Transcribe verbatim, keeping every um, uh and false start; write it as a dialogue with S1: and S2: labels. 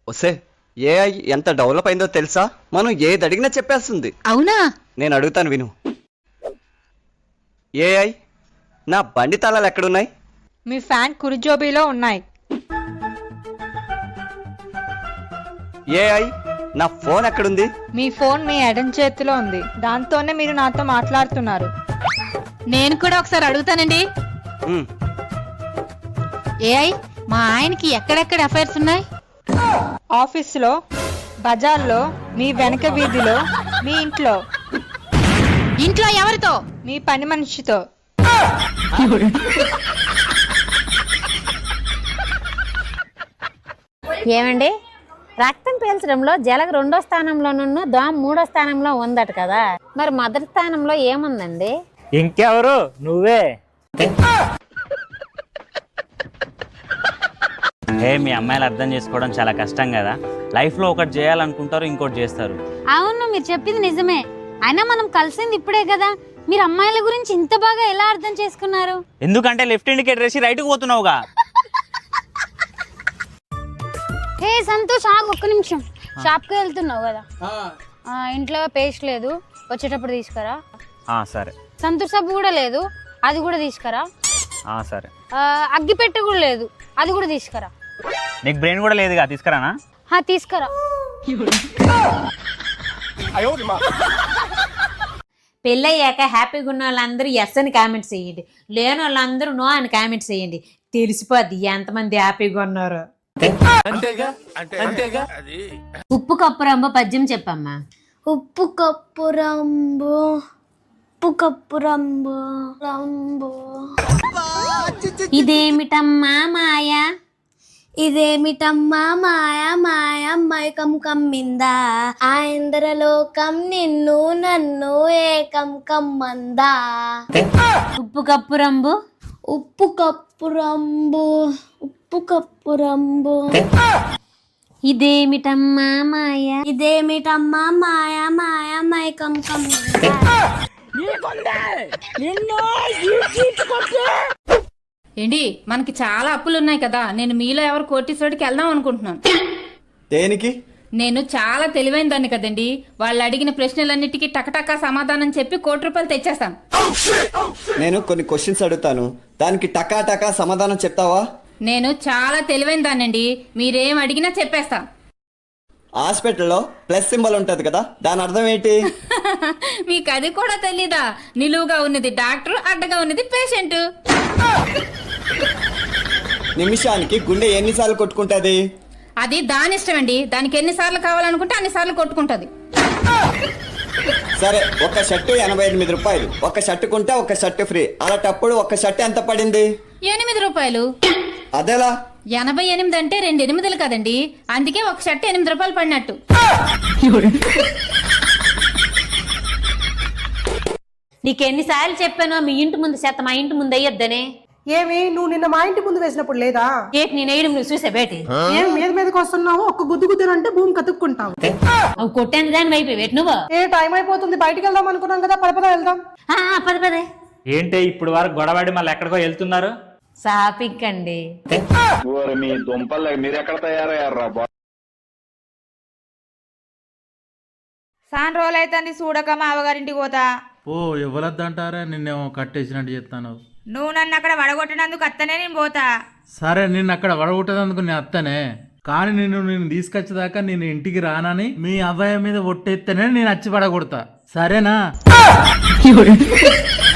S1: ఒసే ఏఐ ఎంత డెవలప్ అయిందో తెలుసా? మనం ఏది అడిగినా చెప్పేస్తుంది.
S2: అవునా?
S1: నేను అడుగుతాను విను. ఏఐ నా బండి తాళాలు ఎక్కడున్నాయి?
S3: మీ ఫ్యాన్ కుడి జోబీలో ఉన్నాయి.
S1: ఏఐ నా ఫోన్ ఎక్కడుంది?
S3: మీ ఫోన్ మీ ఎడం చేతిలో ఉంది. దాంతోనే మీరు నాతో మాట్లాడుతున్నారు.
S2: నేను కూడా ఒకసారి అడుగుతానండి.
S1: ఉమ్,
S2: ఏఐ మా ఆయనకి ఎక్కడెక్కడ అఫైర్స్ ఉన్నాయి?
S3: ఆఫీసులో, బజార్లో, మీ వెనక వీధిలో, మీ ఇంట్లో,
S2: ఇంట్లో ఎవరితో?
S3: మీ పని మనిషితో.
S4: ఏమండి, రక్తం పీల్చడంలో జలగ రెండో స్థానంలోనూ దోమ మూడో స్థానంలో ఉందట కదా, మరి మొదటి స్థానంలో ఏముందండి?
S5: ఇంకెవరు? నువ్వే. ఏ మీ అమ్మాయిలు అర్థం చేసుకోవడం చాలా కష్టం కదా. లైఫ్లో ఒకటి చేయాలనుకుంటారు, ఇంకోటి చేస్తారు.
S4: అవును, మీరు చెప్పింది నిజమే. అయినా మనం కలిసింది ఇప్పుడే కదా, మీరు అమ్మాయిల గురించి ఇంత బాగా ఎలా అర్థం చేసుకున్నారు?
S5: ఎందుకంటే లెఫ్ట్ ఇండికేటర్ వేసి రైట్కి పోతున్నావుగా.
S4: హే సంతోష్, ఆగు ఒక్క నిమిషం. షాప్కి వెళ్తున్నావు కదా, ఇంట్లో పేస్ట్ లేదు, వచ్చేటప్పుడు తీసుకురా.
S5: సరే.
S4: సంతూర్ సబ్బు కూడా లేదు, అది కూడా తీసుకురా.
S5: సరే.
S4: అగ్గిపెట్టె కూడా లేదు, అది కూడా తీసుకురా.
S5: నీకు బ్రెయిన్ కూడా లేదుగా, తీసుకురానా?
S4: తీసుకురా. పెళ్ళయ్యాక హ్యాపీగా ఉన్న వాళ్ళందరూ ఎస్ అని కామెంట్స్ చేయండి, లేని వాళ్ళందరూ నో అని కామెంట్స్ చేయండి. తెలిసిపోద్ది ఎంతమంది హ్యాపీగా ఉన్నారు. ఉప్పు కప్పు రంబో పద్యం చెప్పమ్మా.
S6: ఉప్పు కప్పు రంబో, ఉప్పు కప్పు రంబో రంబో.
S4: ఇదేమిటమ్మా మాయా,
S6: ఇదేమిటమ్మా మాయ మాయ మైకం కమ్మిందా, ఆ ఇంద్రలోకం నిన్ను నన్ను ఏకం కమ్మందా.
S4: ఉప్పు కప్పు రంబు,
S6: ఉప్పు కప్పు రంబు, ఉప్పు కప్పు రంబు.
S4: ఇదేమిటమ్మా మాయా,
S6: ఇదేమిటమ్మా మాయ మాయ మైకం కమ్మిందా.
S2: ఏంటి, మనకి చాలా అప్పులు ఉన్నాయి కదా, నేను మీలో ఎవరు కోటీశ్వరుడికి వెళ్దాం అనుకుంటున్నాను.
S1: దేనికి?
S2: నేను చాలా తెలివైన దాన్ని కదండి, వాళ్ళు అడిగిన ప్రశ్నలన్నిటికీ టకటకా సమాధానం చెప్పి కోటి రూపాయలు తెచ్చేస్తాను.
S1: నేను కొన్ని క్వశ్చన్స్ అడుగుతాను, దానికి టకా టకా సమాధానం చెప్తావా?
S2: నేను చాలా తెలివైన దాన్నండి, మీరేం అడిగినా చెప్పేస్తా.
S1: హాస్పిటల్లో ప్లస్ సింబల్ ఉంటది కదా, దాని అర్థం ఏంటి?
S2: మీకు అది కూడా తెలీదా? నిలువుగా ఉన్నది డాక్టర్, అడ్డగా ఉన్నది పేషెంట్.
S1: నిమిషానికి గుండె ఎన్నిసార్లు కొట్టుకుంటది?
S2: అది దాని ఇష్టం అండి, దానికి ఎన్నిసార్లు కావాలనుకుంటే అన్నిసార్లు కొట్టుకుంటది.
S1: సరే, ఒక షర్టు ఎనభై ఎనిమిది రూపాయలు, ఒక షర్టు కొంటే ఒక షర్టు ఫ్రీ, అలాంటప్పుడు ఒక షర్టు ఎంత పడింది?
S2: ఎనిమిది రూపాయలు.
S1: అదేలా?
S2: ఎనభై ఎనిమిది అంటే రెండు ఎనిమిదిలు కదండి, అందుకే ఒక షర్ట్ ఎనిమిది రూపాయలు పడినట్టు.
S4: నీకెన్నిసార్లు చెప్పానో మీ ఇంటి ముందు చేత మా ఇంటి ముందు అయ్యొద్దనే.
S7: ఏమి, నువ్వు నిన్న మా ఇంటి ముందు వేసినప్పుడు లేదా?
S4: ఏటి నేను వేయడం నువ్వు చూసా బేటి?
S7: ఏం మీద మీదకి వస్తున్నావు, ఒక్క గుద్దు గుద్దునంటే భూమి కతుక్కుంటావు.
S4: అవి కొట్టాను దాని వైపు వేటి నువ్వు.
S7: ఏ టైం అయిపోతుంది, బయటికి వెళ్దాం అనుకున్నాం కదా, పద పద వెళ్దాం.
S4: పద పదే.
S5: ఏంటి ఇప్పుడు వరకు గొడవడి మళ్ళీ ఎక్కడికో వెళ్తున్నారు?
S4: షాపింగ్ అండి.
S8: మీ దుంపలు మీరు ఎక్కడ తయారయ్యారా?
S9: సాన్ రోజులు అయితే చూడక మా అవగారింటికి పోతా.
S10: ఓ ఇవ్వలద్దంటారా, నిన్నేమో కట్టేసినట్టు చెప్తాను.
S9: నువ్వు నన్ను అక్కడ వడగొట్టినందుకు అత్తనే నేను పోతా.
S10: సరే, నిన్ను అక్కడ వడగొట్టేందుకు నేను అత్తనే, కానీ నిన్ను నేను తీసుకొచ్చేదాకా నేను ఇంటికి రానని మీ అబ్బాయి మీద ఒట్టెత్తేనే నేను వచ్చి పడగొడతా, సరేనా?